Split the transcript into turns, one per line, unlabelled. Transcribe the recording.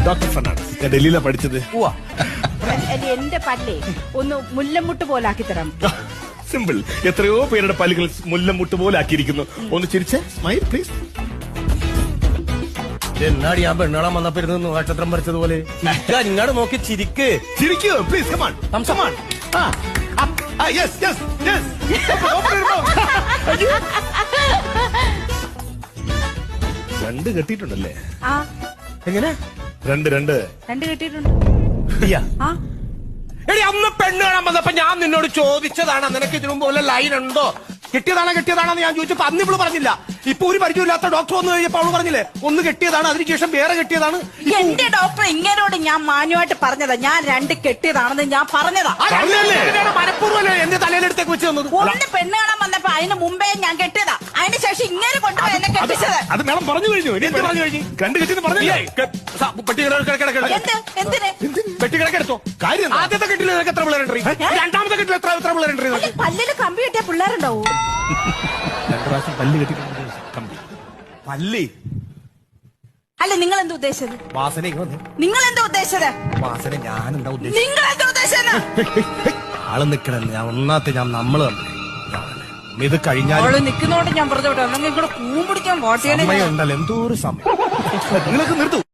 Doctor Fernandez. ഞാൻ ഡൽഹിയിലാണ് പഠിച്ചത്.
എന്റെ പല്ലേ ഒന്ന് മുല്ലമുട്ട് പോലെ ആക്കി തരാം.
സിമ്പിൾ. എത്രയോ പേരുടെ പല്ലുകൾ മുല്ലമുട്ട് പോലെ ആക്കിയിരിക്കുന്നു. ഒന്ന് ചിരിച്ച് സ്മൈൽ പ്ലീസ്.
എന്നാടി ഞാൻ പെണ്ണുകാണാൻ വന്നപ്പോ ഇരുന്ന് നക്ഷത്രം വരച്ചതുപോലെ ഇങ്ങോട്ട് നോക്കി ചിരിക്ക്.
ചിരിക്കൂ please. Come on come on. Yes yes yes. രണ്ട് കെട്ടിയിട്ടുണ്ടല്ലേ?
ആ
എങ്ങനെ?
രണ്ട്
കെട്ടിയിട്ടുണ്ട്. ആ
എടി അന്ന് പെണ്ണ് കാണാൻ വന്നപ്പോ ഞാൻ നിന്നോട് ചോദിച്ചതാണ് നിനക്ക് ഇതിനു മുമ്പ് വല്ല ലൈൻ ഉണ്ടോ, കെട്ടിയതാണെന്ന് ഞാൻ ചോദിച്ചപ്പോ അന്ന് ഇവള് പറഞ്ഞില്ല. ഇപ്പൊ ഒരു പരിചയമില്ലാത്ത ഡോക്ടർ വന്നു കഴിഞ്ഞപ്പോ അവള് പറഞ്ഞില്ലേ ഒന്ന് കെട്ടിയതാണ്, അതിനുശേഷം വേറെ കെട്ടിയതാണ്.
എന്റെ ഡോക്ടർ ഇങ്ങനോട് ഞാൻ മാന്യമായിട്ട് പറഞ്ഞതാ, ഞാൻ രണ്ട് കെട്ടിയതാണെന്ന് ഞാൻ പറഞ്ഞതാ.
മനഃപൂർവ്വം എന്റെ തലയിലെടുത്തേക്ക് വെച്ച് തന്നത്.
ഒന്ന് പെണ്ണ് കാണാൻ വന്നപ്പോ അതിന് മുമ്പേ ഞാൻ കെട്ടിയതാ, അതിന് ശേഷം ഇങ്ങനെ കൊണ്ടുപോയി എന്നെ കെട്ടിച്ചത്.
അത് മേളം പറഞ്ഞു കഴിഞ്ഞു.
എന്ത് പറഞ്ഞു കഴിഞ്ഞു?
രണ്ട് കെട്ടിന്ന് പറഞ്ഞില്ലേ?
എന്തിന്
പെട്ടി കിടക്കെടുത്തോ കാര്യം. ആദ്യത്തെ കെട്ടിൽ നിനക്ക് എത്ര പിള്ളേരുണ്ട്? രണ്ടാമത്തെ കെട്ടിൽ എത്ര പിള്ളേരുണ്ട്?
പല്ലില് കമ്പി കെട്ടിയ പിള്ളേരുണ്ടാവൂ.
2 പ്രാവശ്യം പല്ല് കെട്ടിട്ടുണ്ട്. കമ്പി
പല്ലി
അല്ല നിങ്ങൾ എന്താ ഉദ്ദേശിച്ചത്?
വാസന
നിങ്ങൾ എന്താ ഉദ്ദേശിച്ചത്?
വാസന ഞാൻ എന്താ ഉദ്ദേശിച്ചത്?
നിങ്ങൾ എന്താ ഉദ്ദേശിച്ചത്?
ആള് നിക്കണെന്ന് ഞാൻ നമ്മള് ഇത് കഴിഞ്ഞാൽ
നിൽക്കുന്നോണ്ട് ഞാൻ പറഞ്ഞോട്ടെ, അല്ലെങ്കിൽ ഇവിടെ കൂമ്പിടിക്കാൻ വോട്ട് ചെയ്യണേ
ഉണ്ടല്ലോ എന്തോ ഒരു സമയം.
നിങ്ങൾക്ക് നിർത്തൂ.